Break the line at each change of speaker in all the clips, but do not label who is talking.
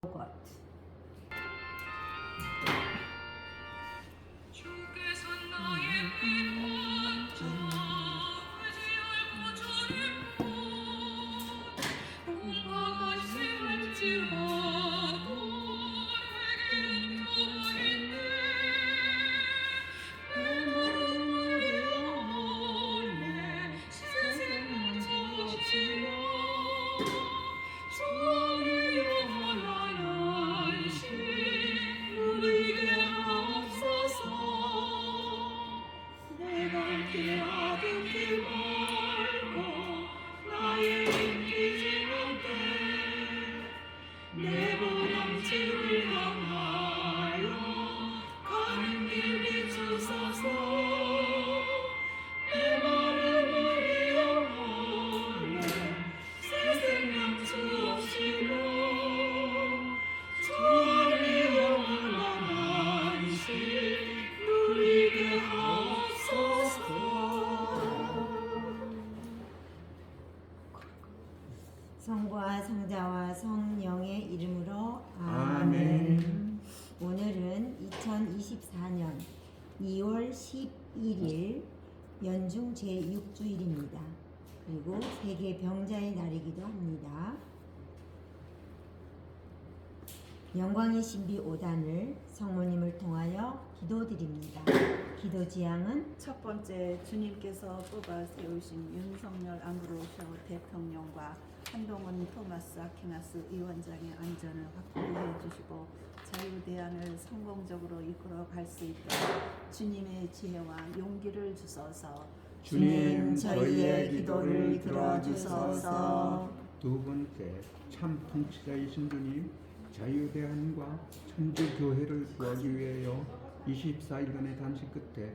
것.
주께서 나의 구원자 의지하고 저를 공화가 심할지라도 내게 누워 있네. 내 마음을 원해 새 생명 주시며 주의 영원한 안식 누리게 하옵소서. 내가 깨어듣지 말고 나의 인기지 못해 내 보람집을 향하여 가는 길 비추소서. 내 마음을 영원해 새 생명 주옵시며 주의 영원한 안식 누리게 하옵소서.
성부와 성자와 성령의 이름으로
아멘.
오늘은 2024년 2월 11일 연중 제6주일입니다. 그리고 세계 병자의 날이기도 합니다. 영광의 신비 5단을 성모님을 통하여 기도드립니다. 기도 지향은
첫 번째, 주님께서 뽑아 세우신 윤석열 아무로쇼 대통령과 한동훈 토마스 아퀴나스 위원장의 안전을 확보해 주시고 자유대안을 성공적으로 이끌어 갈 수 있도록 주님의 지혜와 용기를 주소서.
주님 저희의 기도를 들어주소서.
두 번째, 참 통치자이신 주님, 자유대안과 천주교회를 구하기 위하여 24일간의 단식 끝에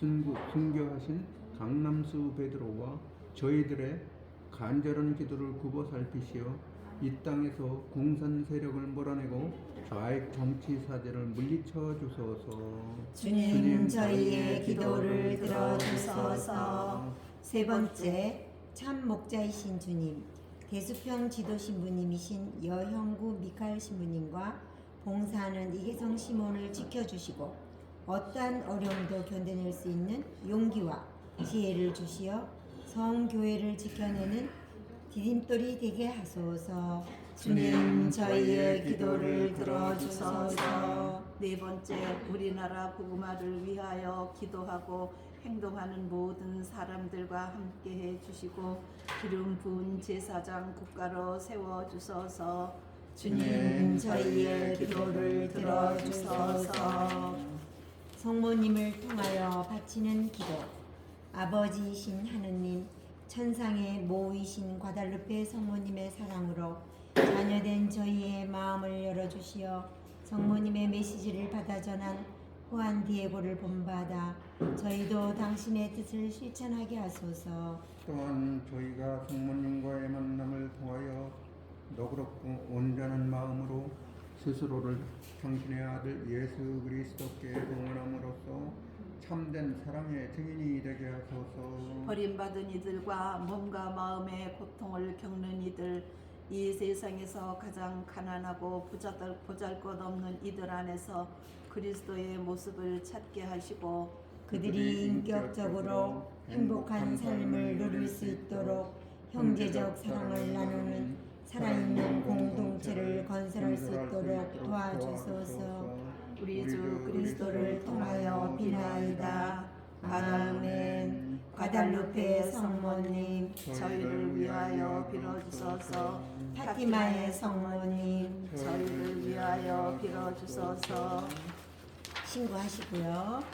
순교하신 강남수 베드로와 저희들의 간절한 기도를 굽어 살피시어 이 땅에서 공산 세력을 몰아내고 좌익 정치 사제를 물리쳐 주소서.
주님 저희의 기도를 들어주소서. 세 번째, 참 목자이신 주님, 대수평 지도 신부님이신 여형구 미카엘 신부님과 봉사하는 이계성 시몬을 지켜주시고 어떠한 어려움도 견뎌낼 수 있는 용기와 지혜를 주시어 성교회를 지켜내는 디딤돌이 되게 하소서. 주님 저희의 기도를 들어주소서.
네 번째, 우리나라 복음화를 위하여 기도하고 행동하는 모든 사람들과 함께해 주시고 기름 부은 제사장 국가로 세워 주소서.
주님 저희의 기도를 들어주소서. 성모님을 통하여 바치는 기도. 아버지이신 하느님, 천상의 모이신 과달루페 성모님의 사랑으로 자녀된 저희의 마음을 열어주시어 성모님의 메시지를 받아 전한 후안 디에고를 본받아 저희도 당신의 뜻을 실천하게 하소서.
또한 저희가 성모님과의 만남을 통하여 너그럽고 온전한 마음으로 스스로를 당신의 아들 예수 그리스도께 봉헌함으로써 참된 사랑의 증인이 되게 하소서.
버림받은 이들과 몸과 마음의 고통을 겪는 이들, 이 세상에서 가장 가난하고 보잘것없는 이들 안에서 그리스도의 모습을 찾게 하시고
그들이 인격적으로 행복한 삶을 누릴 수 있도록 형제적 사랑을 나누는 살아있는 공동체를 건설할 수 있도록 도와주소서.
우리 주 그리스도를 통하여 비나이다. 아멘. 과달루페 성모님, 저희를 위하여 빌어주소서.
파티마의 성모님,
저희를 위하여 빌어주소서.
신고하시고요.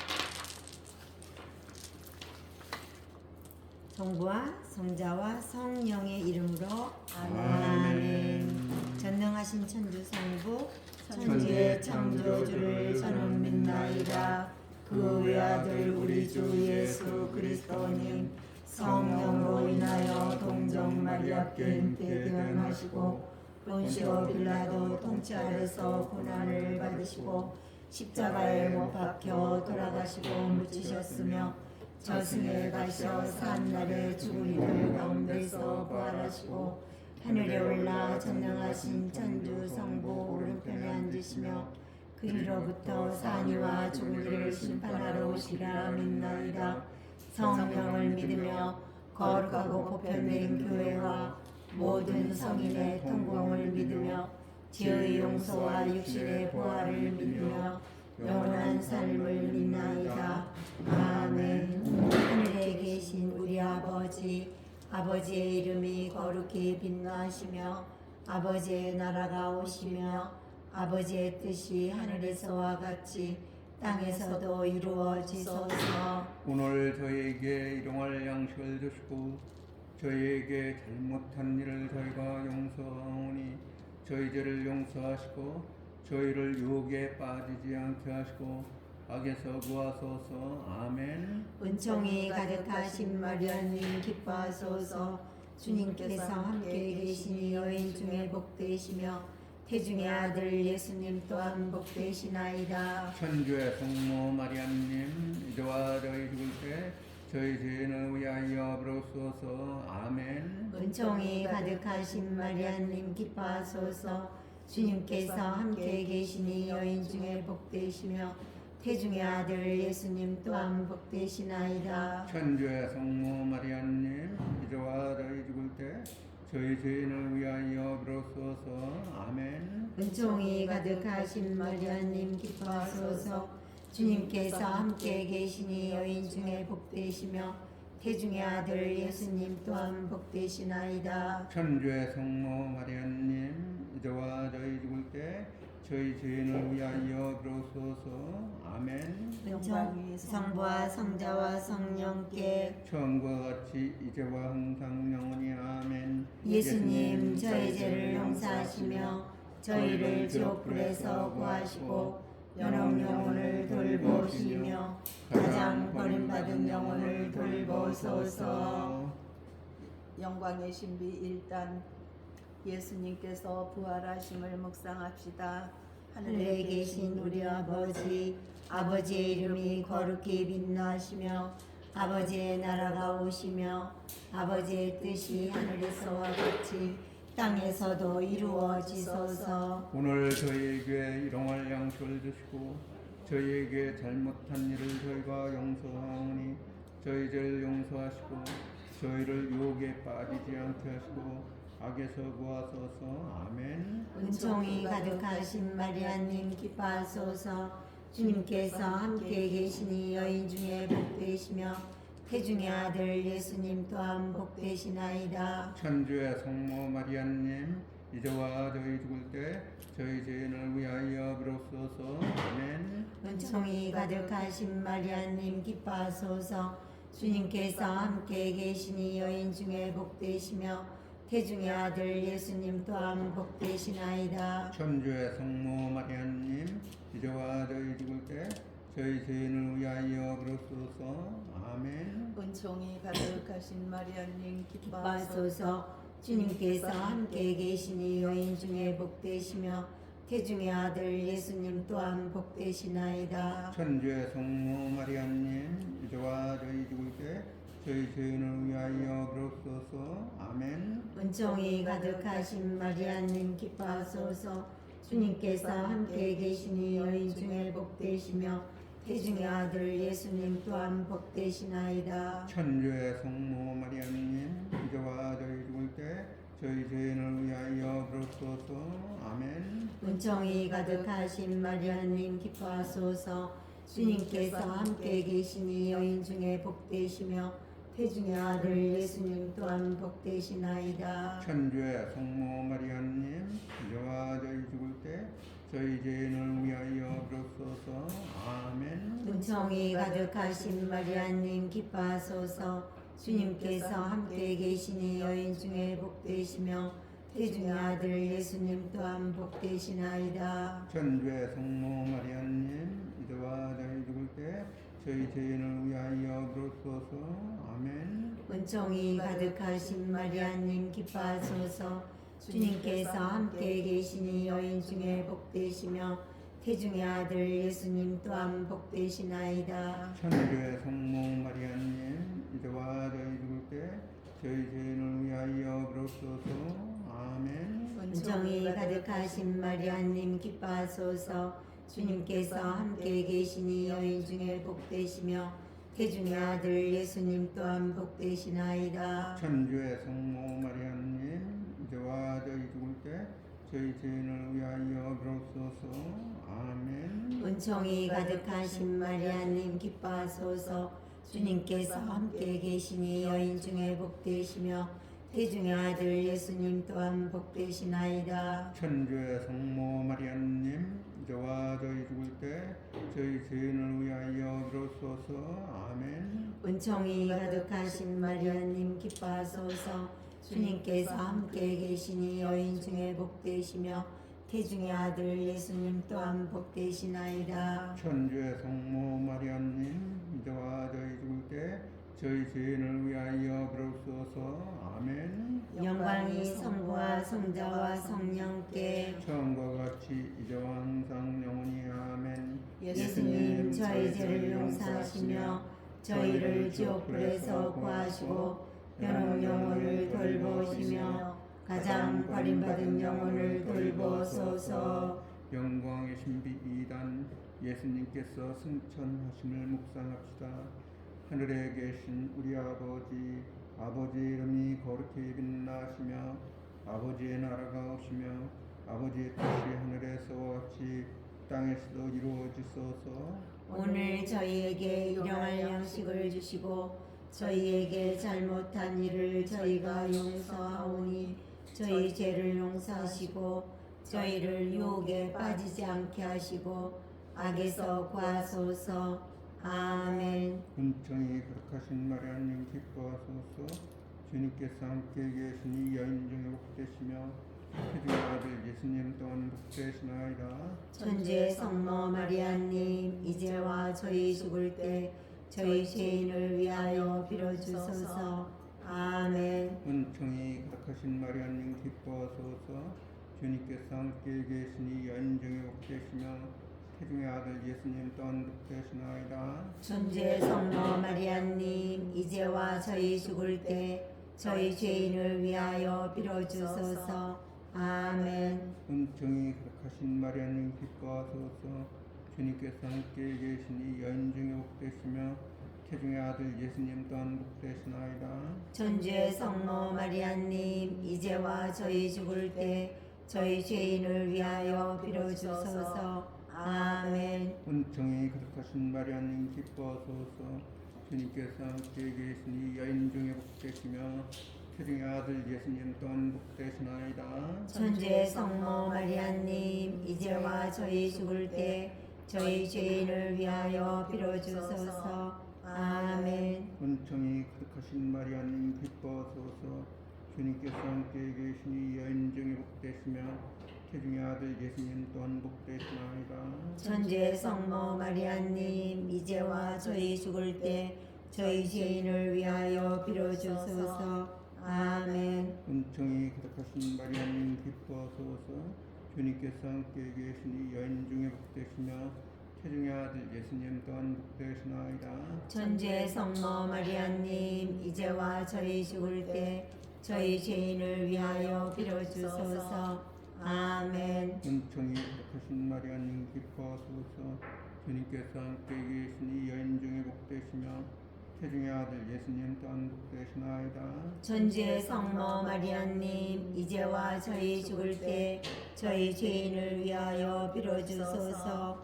성부와 성자와 성령의 이름으로 아멘. 전능하신 천주 성부 천지의 창조주를 저는 믿나이다. 그 외아들 우리 주 예수 그리스도님 성령으로 인하여 동정 마리아께 잉태되하시고 본시오 빌라도 통치 아래서 고난을 받으시고 십자가에 못 박혀 돌아가시고 묻히셨으며 저승에 가셔 산날에 죽은 이들 가운데서 부활하시고 하늘에 올라 전능하신 천주 성부 오른편에 앉으시며 그리로부터 산이와 죽은 이를 심판하러 오시리라 믿나이다. 성령을 믿으며 거룩하고 보편된 교회와 모든 성인의 통공을 믿으며 죄의 용서와 육신의 부활을 믿으며 영원한 삶을 믿나이다. 아멘. 하늘에 계신 우리 아버지, 아버지의 이름이 거룩히 빛나시며 아버지의 나라가 오시며 아버지의 뜻이 하늘에서와 같이 땅에서도 이루어지소서.
오늘 저희에게 일용할 양식을 주시고 저희에게 잘못한 일을 저희가 용서하오니 저희 죄를 용서하시고 저희를 유혹에 빠지지 않게 하시고 악에서 구하소서. 아멘.
은총이 가득하신 마리아님 기뻐하소서. 주님께서 함께 계시니 여인 중에 복되시며 태중의 아들 예수님 또한 복되시나이다.
천주의 성모 마리아님 이제와 저희 죽을 때 저희 죄인을 위하여 부르소서. 아멘.
은총이 가득하신 마리아님 기뻐하소서. 주님께서 함께 계시니 여인 중에 복되시며 태중의 아들 예수님 또한 복되시나이다.
천주의 성모 마리아님 이제와 저희 죽을 때 저희 죄인을 위하여 부르소서. 아멘.
은총이 가득하신 마리아님 기뻐하소서. 주님께서 함께 계시니 여인 중에 복되시며 태중의 아들 예수님 또한 복되시나이다.
천주의 성모 마리아님 이제와 저희 죽을 때 저희 죄인을 위하여 부르소서. 아멘.
은총 성부와 성자와 성령께
처음과 같이 이제와 항상 영원히 아멘.
예수님 저희 죄를 용서하시며 저희를 지옥불에서 구하시고 연옥 영혼을 돌보시며 가장 버림받은 영혼을 돌보소서.
영광의 신비 1단 예수님께서 부활하심을 묵상합시다.
하늘에 계신 우리 아버지, 아버지의 이름이 거룩히 빛나시며 아버지의 나라가 오시며 아버지의 뜻이 하늘에서와 같이 땅에서도 이루어지소서.
오늘 저희에게 일용할 양식을 주시고 저희에게 잘못한 일을 저희가 용서하오니 저희 죄를 용서하시고 저희를 유혹에 빠지지 않게 하시고 악에서 구하소서. 아멘.
은총이 가득하신 마리아님 기뻐하소서. 주님께서 함께 계시니 여인 중에 복되시며 태중의 아들 예수님 또한 복되시나이다.
천주의 성모 마리아님 이제와 저희 죽을 때 저희 죄인을 위하여 부르소서. 아멘.
은총이 가득하신 마리아님 기뻐하소서. 주님께서 함께 계시니 여인 중에 복되시며 태중의 아들 예수님 또한 복되시나이다.
천주의 성모 마리아님 이제와 저희 죽을 때 저희 죄인을 위하여 부르소서. 아멘.
은총이 가득하신 마리아님 기뻐하소서.
기뻐하소서. 주님께서 함께 계시니 여인 중에 복되시며 태중의 아들 예수님 또한 복되시나이다.
천주의 성모 마리아님 이제와 저희 죽을 때 저희 죄인을 위하여 부르소서. 아멘.
은총이 가득하신 마리아님 기뻐하소서. 주님께서 함께 계시니 여인 중에 복되시며 태중의 아들 예수님 또한 복되시나이다.
천주의 성모 마리아님 이제와 저희 죽을 때 저희 죄인을 위하여 부르소서. 아멘.
은총이 가득하신 마리아님 기뻐하소서. 주님께서 함께 계시니 여인 중에 복되시며 태중의 아들 예수님 또한 복되시나이다.
천주의 성모 마리아님 이제와 저희 죽을 때 저희 죄인을 위하여 부르소서. 아멘.
은총이 가득하신 마리아님 기뻐하소서. 주님께서 함께 계시니 여인 중에 복되시며 태중의 아들 예수님 또한 복되시나이다.
천주의 성모 마리아님 이제와 저희 죽을 때 저희 죄인을 위하여 부르소서. 아멘.
은총이 가득하신 마리아님 기뻐하소서. 주님께서 함께 계시니 여인 중에 복되시며 태중의 아들 예수님 또한 복되시나이다.
천주의 성모 마리아님 이제와 저희 죽을 때 저희 죄인을 위하여 부르소서. 아멘.
은총이 가득하신 마리아님 기뻐하소서. 주님께서 함께 계시니 여인 중에 복되시며 태중의 아들 예수님 또한 복되시나이다.
천주의 성모 마리아님 이제와 저희 죽을 때 저희 죄인을 위하여 비로소서. 아멘.
은총이 가득하신 마리아님 기뻐하소서. 주님께서 함께 계시니 여인 중에 복되시며 태중의 아들 예수님 또한 복되시나이다.
천주의 성모 마리아님 이제와 저희 죽을 때 저희 죄인을 위하여 비로소서. 아멘.
은총이 가득하신 마리아님 기뻐하소서. 주님께서 함께 계시니 여인 중에 복되시며 태중의 아들 예수님 또한 복되시나이다.
천주의 성모 마리아님 이제와 저희 죽을 때 저희 죄인을 위하여 비로소서. 아멘.
영광이 성부와 성자와 성령께
처음과 같이 이제와 항상 영원히 아멘.
예수님 저희 죄를 용서하시며 저희를 지옥불에서 구하시고 연옥 영혼을 돌보시며 가장 버림받은 영혼을 돌보소서.
영광의 신비 2단 예수님께서 승천하심을 묵상합시다. 하늘에 계신 우리 아버지, 아버지의 이름이 거룩히 빛나시며 아버지의 나라가 오시며 아버지의 뜻이 하늘에서와 같이 땅에서도 이루어지소서.
오늘 저희에게 일용할 양식을 주시고 저희에게 잘못한 일을 저희가 용서하오니 저희 죄를 용서하시고 저희를 유혹에 빠지지 않게 하시고 악에서 구하소서. 아멘.
은총이 거룩하신 마리아님 기뻐하소서. 주님께서 함께 계시니 여인 중에 복되시며 태중의 아들 예수님 또한 복되시나이다.
천주의 성모 마리아님 이제와 저희 죽을 때 저희 죄인을 위하여 빌어주소서. 아멘.
은총이 거룩하신 마리아님 기뻐하소서. 주님께서 함께 계시니 여인 중에 복되시며 태중의 아들 예수님 또한 복되시나이다.
천주의 성모 마리아님 이제와 저희 죽을 때 저희 죄인을 위하여 빌어주소서. 아멘.
은총이 거룩하신 마리아님 기뻐하소서. 주님께서 함께 계시니 여인 중에 복되시며 태중의 아들 예수님 또한 복되시나이다.
천주의 성모 마리아님 이제와 저희 죽을 때 저희 죄인을 위하여 빌어주소서. 아멘.
은총이 거룩하신 마리아님 기뻐하소서. 주님께서 함께 계시니 여인 중에 복되시며 태중의 아들 예수님 또한 복되시나이다.
천주의 성모 마리아님 이제와 저희 죽을 때 저희 죄인을 위하여 빌어주소서. 아멘.
은총이 거룩하신 마리아님 기뻐하소서. 주님께서 함께 계시니 여인 중에 복되시며 태중의 아들 예수님 또한 복되시나이다.
천주의 성모 마리아님 이제와 저희 죽을 때 저희 죄인을 위하여 빌어주소서. 아멘.
은총이 거룩하신 마리아님 기뻐하소서. 주님께서 함께 계시니 여인 중에 복되시며 태중의 아들 예수님 또한 복되시나이다.
천주의 성모 마리아님 이제와 저희 죽을 때 저희 죄인을 위하여 빌어주소서. 아멘.
은총이 거룩하신 마리아님 기뻐하소서. 주님께서 함께 계시니 여인 중에 복되시며 태중의 아들 예수님 또한 복되시나이다.
천주의 성모 마리아님 이제와 저희 죽을 때 저희 죄인을 위하여 빌어주소서.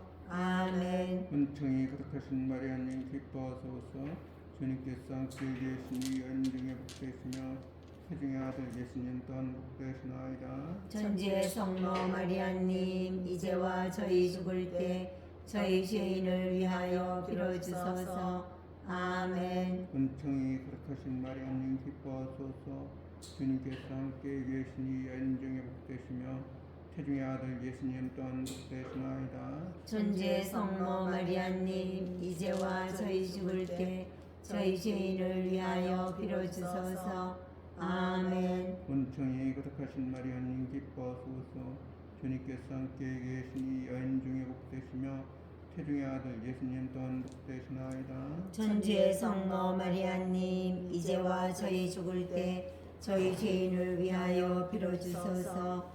아멘.
은총이 거룩하신 마리아님 기뻐하소서. 주님께서 함께 계시니 여인 중에 복되시며 태중의 아들 예수님 또한 복되시나이다.
천주의 성모 마리아님 이제와 저희 죽을 때 저희 죄인을 위하여 빌어주소서. 아멘.
은총이 거룩하신 마리아님 기뻐하소서. 주님께서 함께 계시니 여인 중에 복되시며 태중의 아들 예수님 또한 복되시나이다.
천주의 성모 마리아님 이제와 저희 죽을 때 저희 죄인을 위하여 빌어주소서. 아멘.
은총이 거룩하신 마리아님 기뻐하소서. 주님께서 함께 계시니 여인 중에 복되시며 태중의 아들 예수님 또한 복되시나이다.
천주의 성모 마리아님 이제와 저희 죽을 때 저희 죄인을 위하여 빌어주소서.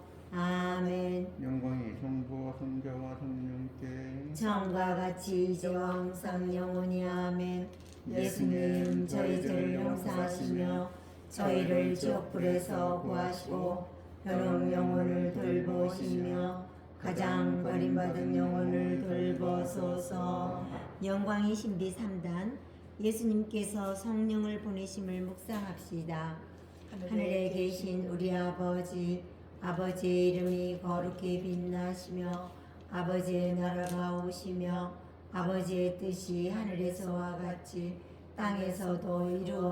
아멘.
영광이 성부와 성자와 성령께
처음과 같이 이제와 항상 영원히 아멘. 예수님 저희 죄를 용서하시며 저희를 지옥불에서 구하시고 현혹 영혼을 돌보시며 가장 버림받은 영혼을 돌보소서. 영광의 신비 3단 예수님께서 성령을 보내심을 묵상합시다. 하늘에 계신 우리 아버지, 아버지의 이름이 거룩히 빛나시며 아버지의 나라가 오시며 아버지의 뜻이 하늘에서와 같이 땅에서도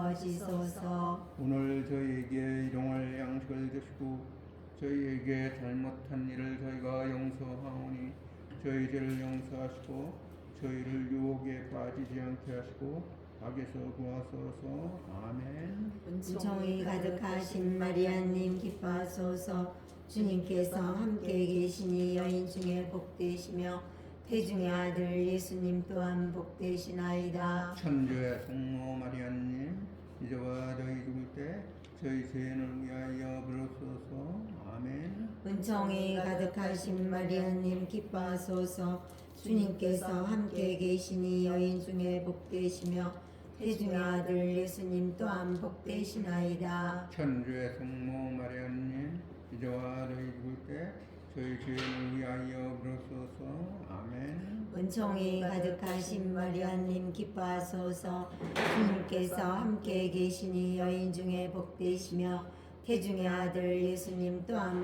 이루어지소서.
오늘 저희에게 일용할 양식을 주시고 저희에게 잘못한 일을 저희가 용서하오니 저희 죄를 용서하시고 저희를 유혹에 빠지지 않게 하시고 악에서 구하소서. 아멘.
은총이 가득하신 마리아님 기뻐하소서. 주님께서 함께 계시니 여인 중에 복되시며 태중의 아들 예수님 또한 복되시나이다.
천주의 성모 마리아님 이제와 저희 죽을 때 저희 죄인을 위하여 비로소서. 아멘.
은총이 가득하신 마리아님 기뻐하소서. 주님께서 함께 계시니 여인 중에 복되시며 태중의 아들 예수님 또한 복되시나이다.
천주의 성모 마리아님 이제와 저희 죽을 때 저희 죄인을 위하여 비로소서. 아멘.
은총이 가득하신 마리아님 기뻐하소서. 주님께서 함께 계시니 여인 중에 복되시며 태중의 아들 예수님 또한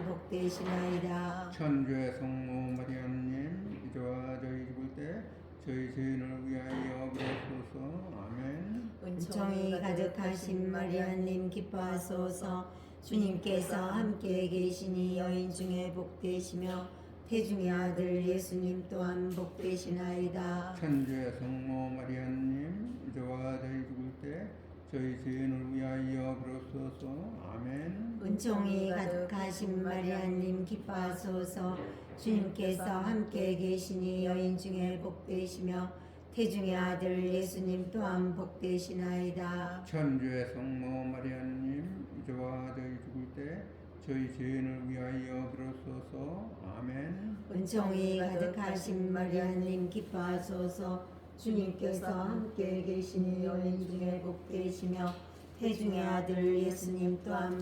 복되시나이다.
천주의 성모 마리아님 이제와 저희 죽을 때 저희 죄인을 위하여 비로소서. 아멘.
은총이 가득하신 마리아님 기뻐하소서. 주님께서 함께 계시니 여인 중에 복되시며 태중의 아들 예수님 또한 복되시나이다.
천주의 성모 마리아님 이제와 저희 죽을 때 저희 죄인을 위하여 비로소서. 아멘.
은총이 가득하신 마리아님 기뻐하소서. 주님께서 함께 계시니 여인 중에 복되시며 태중의 아들 예수님 또한 복되시나이다.
천주의 성모 마리아님 이제와 저희 죽을 때 저희 죄인을 위하여 비로소서. 아멘.
은총이 가득하신 마리아님 기뻐하소서. 주님께서 함께 계시니 여인 중에 복되시며 태중의 아들 예수님 또한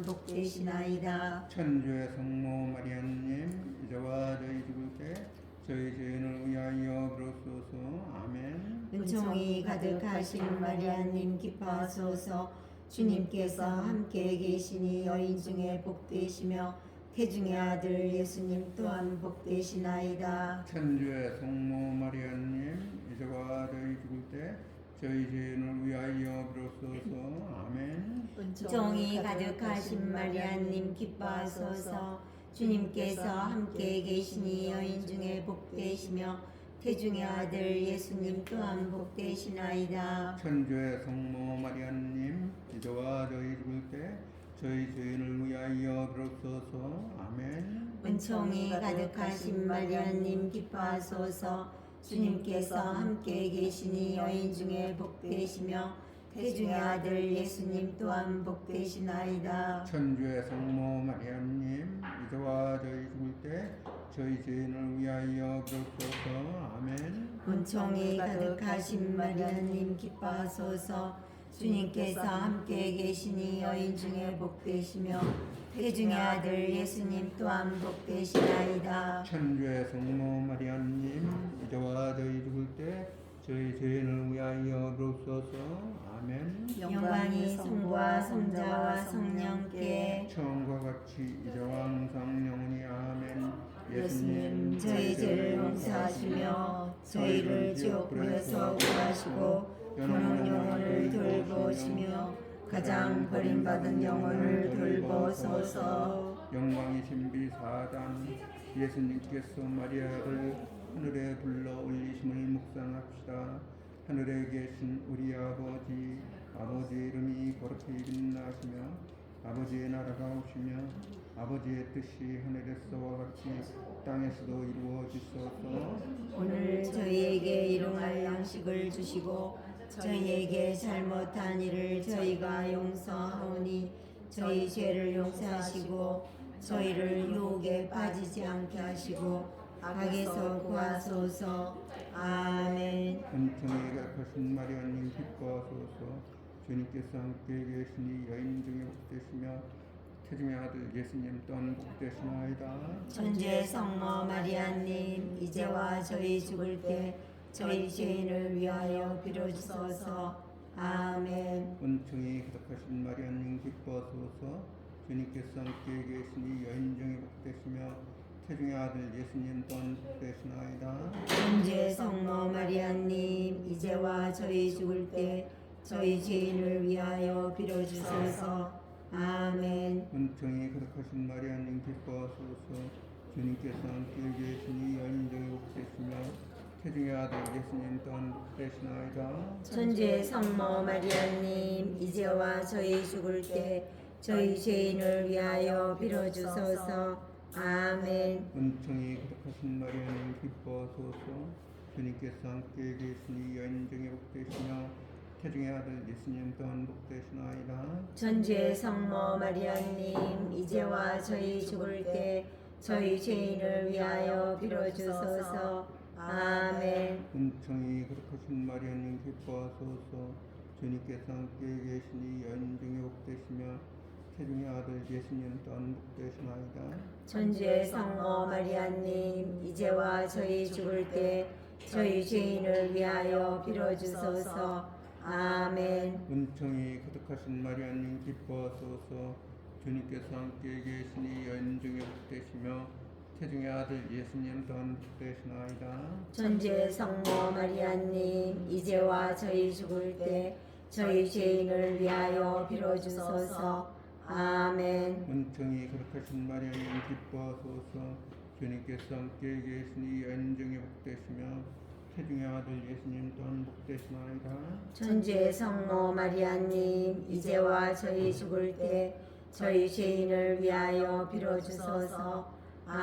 복되시나이다.
천주의 성모 마리아님 이제와 저희 죽을 때 저희 죄인을 위하여 비로소서. 아멘.
은총이 가득하신 마리아님 기뻐하소서. 주님께서 함께 계시니 여인 중에 복되시며 태중의 아들 예수님 또한 복되시나이다.
천주의 성모 마리아님 이제와 저희 죽을 때 저희 죄인을 위하여 비로소서. 아멘.
은총이 가득하신 마리아님 기뻐하소서. 주님께서 함께 계시니 여인 중에 복되시며 태중의 아들 예수님 또한 복되시나이다.
천주의 성모 마리아님 이제와 저희 죽을 때 저희 죄인을 위하여 비로소서. 아멘.
은총이 가득하신 마리아님 기뻐하소서. 주님께서 함께 계시니 여인 중에 복되시며 태중의 아들 예수님 또한 복되시나이다.
천주의 성모 마리아님 이제와 저희 죽을 때 저희 죄인을 위하여 비로소서. 아멘.
은총이 가득하신 마리아님 기뻐하소서. 주님께서 함께 계시니 여인 중에 복되시며 태중의 아들 예수님 또한 복되시나이다.
천주의 성모 마리아님 이제와 저희 죽을 때 저희 죄인을 위하여 비로소서. 아멘.
영광이 성부와 성자와 성령께
처음과 같이 이제와 항상 영원히 아멘.
예수님 저희 죄를 용서하시며 저희를 지옥불에서 구하시고 현혹 영혼을 돌보시며 가장 버림받은 영혼을 돌보소서.
영광의 신비 4단 예수님께서 마리아를 하늘에 불러 올리심을 묵상합시다. 하늘에 계신 우리 아버지, 아버지의 이름이 거룩히 빛나시며 아버지의 나라가 오시며 아버지의 뜻이 하늘에서와 같이 땅에서도 이루어지소서.
오늘 저희에게 일용할 양식을 주시고 저희에게 잘못한 일을 저희가 용서하오니 저희 죄를 용서하시고 저희를 유혹에 빠지지 않게 하시고 악에서 구하소서. 아멘.
은총이 가득하신 마리아님 기뻐하소서. 주님께서 함께 계시니 여인 중에 복되시며 태중의 아들 예수님 또한 복되시나이다.
천주의 성모 마리아님 이제와 저희 죽을 때 저희 죄인을 위하여 빌어주소서. 아멘.
은총이 가득하신 마리아님 기뻐하소서. 주님께서 함께 계시니 여인 중에 복되시며 태중의 아들 예수님 또한 복되시나이다.
천주의 성모 마리아님 이제와 저희 죽을 때 저희 죄인을 위하여 빌어주소서. 아멘.
은총이 가득하신 마리아님 기뻐하소서. 주님께서 함께 계시니 여인 중에 복되시며 태중의 아들 예수님 또한 복되시나이다.
천주의 성모 마리아님 이제와 저희 죽을 때 저희 죄인을 위하여 빌어주소서. 아멘.
은총이 가득하신 마리아님 기뻐하소서. 주님께서 함께 계시니 여인 중에 복되시며 태중의 아들 예수님 또한 복되시나이다.
천주의 성모 마리아님 이제와 저희 죽을 때 저희 죄인을 위하여 빌어주소서. 아멘.
은총이 가득하신 마리아님 기뻐하소서. 주님께서 함께 계시니 여인 중에 복되시며 태중의 아들 예수님 또한 복되시나이다.
천주의 성모 마리아님 이제와 저희 죽을 때 저희 죄인을 위하여 빌어주소서. 아멘.
은총이 가득하신 마리아님 기뻐하소서. 주님께서 함께 계시니 여인 중에 복되시며 태중의 아들 예수님 또한 복되시나이다.
천주의 성모 마리아님 이제와 저희 죽을 때 저희 죄인을 위하여 빌어주소서. 아멘.
은총이 가득하신 마리아님 기뻐하소서. 주님께서 함께 계시니 여인 중에 복되시며 태중의 아들 예수님 또한 복되시나이다.
천주의 성모 마리아님 이제와 저희 죽을 때 저희 죄인을 위하여 빌어주소서.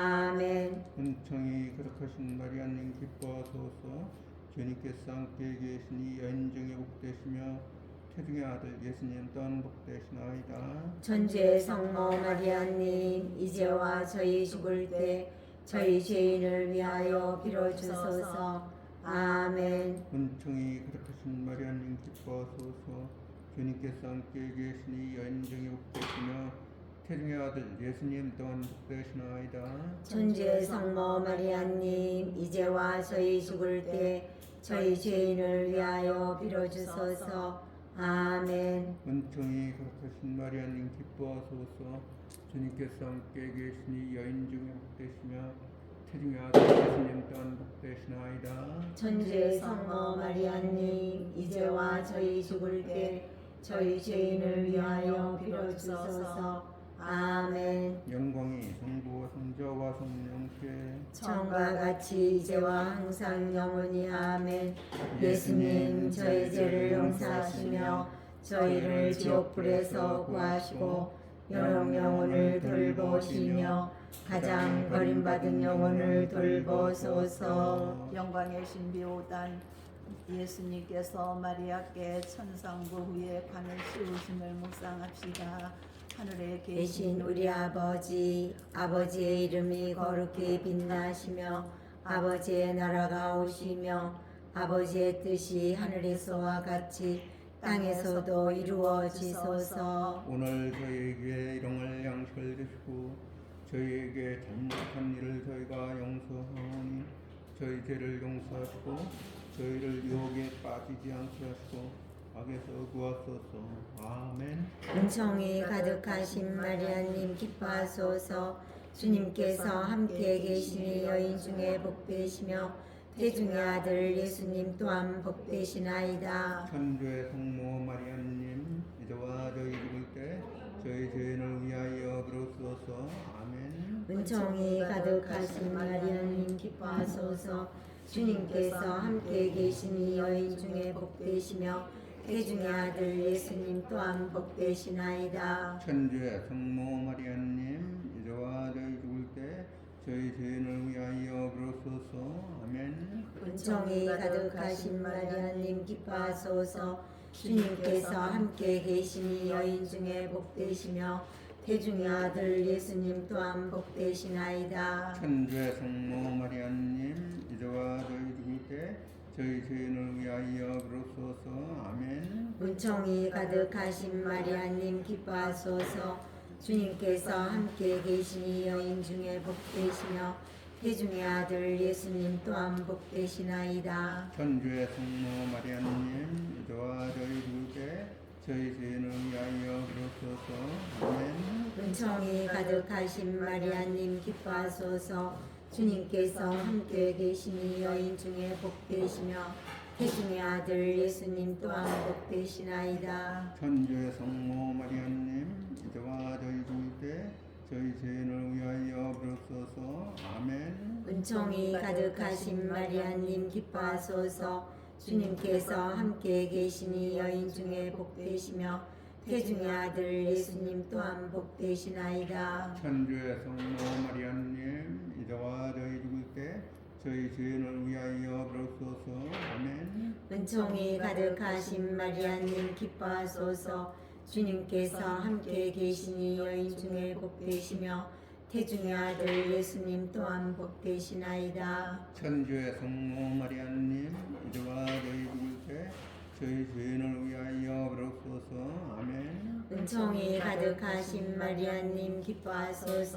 아멘.
은총이 가득하신 마리아님 기뻐하소서. 주님께서 함께 계시니 여인 중에 복되시며 태중의 아들 예수님 또한 복되시나이다.
천주의 성모 마리아님 이제와 저희 죽을 때 저희 죄인을 위하여 빌어주소서. 아멘.
은총이 가득하신 마리아님 기뻐하소서. 주님께서 함께 계시니 여인 중에 복되시며 태중의 아들 예수님 또한 복되시나이다.
천주의 성모 마리아님 이제와 저희 죽을 때 저희 죄인을 위하여 빌어주소서. 아멘.
은총이 가득하신 마리아님 기뻐하소서. 주님께서 함께 계시니 여인 중에 복되시며 태중의 아들 예수님 또한 복되시나이다.
천주의 성모 마리아님 이제와 저희 죽을 때 저희 죄인을 위하여 빌어주소서. 아멘.
영광이 성부와 성자와 성령께
처음과 같이 이제와 항상 영원히 아멘. 예수님 저희 죄를 용서하시며 저희를 지옥불에서 구하시고 여러 영혼을 돌보시며 가장 버림받은 영혼을 돌보소서.
영광의 신비 5단 예수님께서 마리아께 천상부 후에 관을 씌우심을 묵상합시다. 하늘에
계신 우리 아버지, 아버지의 이름이 거룩히 빛나시며 아버지의 나라가 오시며 아버지의 뜻이 하늘에서와 같이 땅에서도 이루어지소서.
오늘 저희에게 일용할 양식을 주시고 저희에게 잘못한 일을 저희가 용서하오니 저희 죄를 용서하시고 저희를 유혹에 빠지지 않게 하시고 악에서 구하소서. 아멘.
은총이 가득하신 마리아님 기뻐하소서. 주님께서 함께 계시니 여인 중에 복되시며 태중의 아들 예수님 또한 복되시나이다.
천주의 성모 마리아님 이제와 저희 죽을 때 저희 죄인을 위하여 빌어주소서. 아멘.
은총이 가득하신 마리아님 기뻐하소서. 주님께서 함께 계시니 여인 중에 복되시며 태중의 아들 예수님 또한 복되시나이다.
천주의 성모 마리아님 이제와 저희 죽을 때 저희 죄인을 위하여 빌어주소서. 아멘.
은총이 가득하신 마리아님 기뻐하소서. 주님께서 함께 계시니 여인 중에 복되시며 태중의 아들 예수님 또한 복되시나이다.
천주의 성모 마리아님 이제와 저희 죽을 때 저희 죄인을 위하여 그러소서. 아멘.
은총이 가득하신 마리아님 기뻐하소서. 주님께서 함께 계시니 여인 중에 복되시며 태중의 아들 예수님 또한 복되시나이다.
천주의 성모 마리아님 이제와 저희 죽을 때 저희 죄인을 위하여 그러소서. 아멘.
은총이 가득하신 마리아님 기뻐하소서. 주님께서 함께 계시니 여인 중에 복되시며 태중의 아들 예수님 또한 복되시나이다.
천주의 성모 마리아님 이제와 저희 죽을 때 저희 죄인을 위하여 그러소서. 아멘.
은총이 가득하신 마리아님 기뻐하소서. 주님께서 함께 계시니 여인 중에 복되시며 태중의 아들 예수님 또한 복되시나이다.
천주의 성모 마리아님 이제와 저희 죽을 때 저희 죄인을 위하여 그러소서. 아멘.
은총이 가득하신 마리아님 기뻐하소서. 주님께서 함께 계시니 여인 중에 복되시며 태중의 아들 예수님 또한 복되시나이다.
천주의 성모 마리아님 이제와 저희 죽을 때 저희 죄인을 위하여 그러소서. 아멘.
은총이 가득하신 마리아님 기뻐하소서.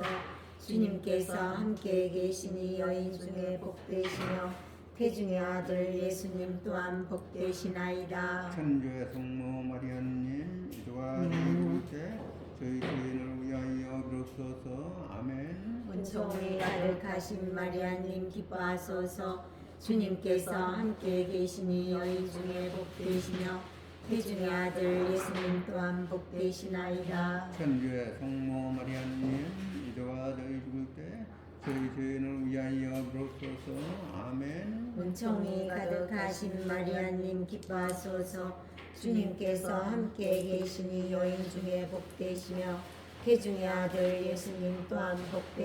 주님께서 함께 계시니 여인 중에 복되시며 태중의 아들 예수님 또한 복되시나이다.
천주의 성모 마리아님 이제와 저희 죽을 때 저희 죄인을 위하여 그러소서. 아멘.
은총이 가득하신 마리아님 기뻐하소서. 주님께서 함께 계시니 여인 중에 복되시며 태중의 아들 예수님 또한 복되시나이다.
천주의 성모 마리아님 이제와 저희 죽을 때 저희 죄인을 위하여 그러소서. 아멘.
은총이 가득하신 마리아님 기뻐하소서. 주님께서 함께 계시니 여인 중에 복되시며 태중의 아들 예수님 또한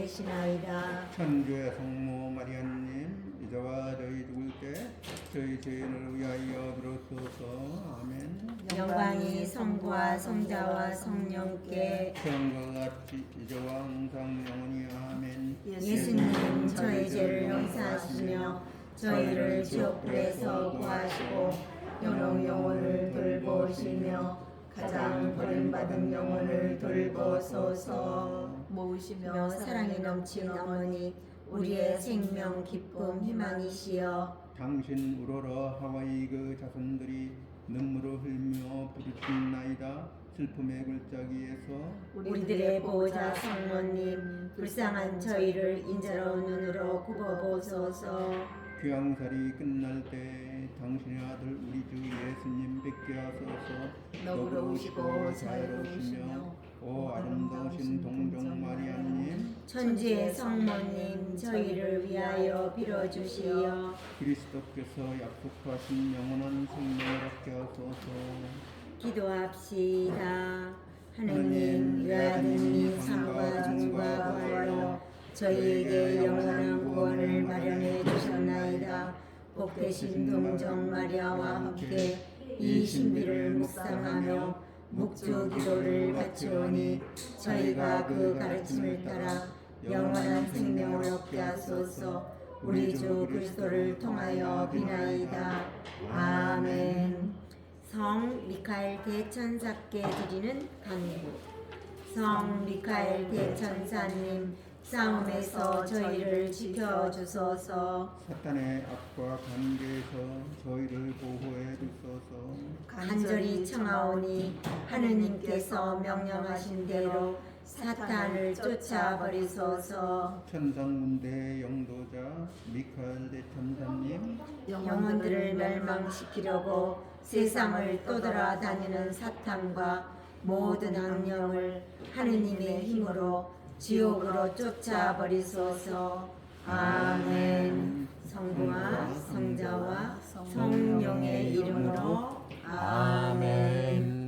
복되시나이다.
천주의 성모 마리아님 이제와 저희 죽을 때 저희 죄인을 위하여 그러소서. 아멘.
영광이 성부와 성자와 성령께
처음과 같이 이제와 항상 영원히 아멘.
예수님 저희 죄를 용서하시며 저희를 지옥불에서 구하시고 영혼을 돌보시며 가장 버림받은 영혼을 돌보소서. 모으시며 사랑이 넘친 어머니 우리의 생명 기쁨 희망이시여
당신 우러러 하와이 그 자손들이 눈물을 흘며 부르짖나이다. 슬픔의 골짜기에서
우리들의 보호자 성모님 불쌍한 저희를 인자로운 눈으로 굽어보소서.
귀양살이 끝날 때 당신의 아들 우리 주 예수님 뵙게 하소서.
너그러우시고 자애로우시며
오 아름다우신 동정 마리아님
천주의 성모님 저희를 위하여 빌어주시어.
그리스도께서 약속하신 영원한 생명을 얻게 하소서.
기도합시다. 하느님 외아드님이 삶과 종과 부활로 저희에게 영원한 구원을 마련해 주셨나이다. 복되신 동정 마리아와 함께 이 신비를 묵상하며 묵주 기도를 바치오니 저희가 그 가르침을 따라 영원한 생명을 얻게 하소서. 우리 주 그리스도를 통하여 비나이다. 아멘. 성 미카엘 대천사께 드리는 간구. 성 미카엘 대천사님 싸움에서 저희를 지켜주소서.
사탄의 악과 관계에서 저희를 보호해 주소서.
간절히 청하오니 하느님께서 명령하신 대로 사탄을 쫓아버리소서.
천상문대의 영도자 미카엘 대천사님
영혼들을 멸망시키려고 세상을 떠돌아다니는 사탄과 모든 악령을 하느님의 힘으로 지옥으로 쫓아버리소서. 아멘. 성부와 성자와 성령의 이름으로 아멘.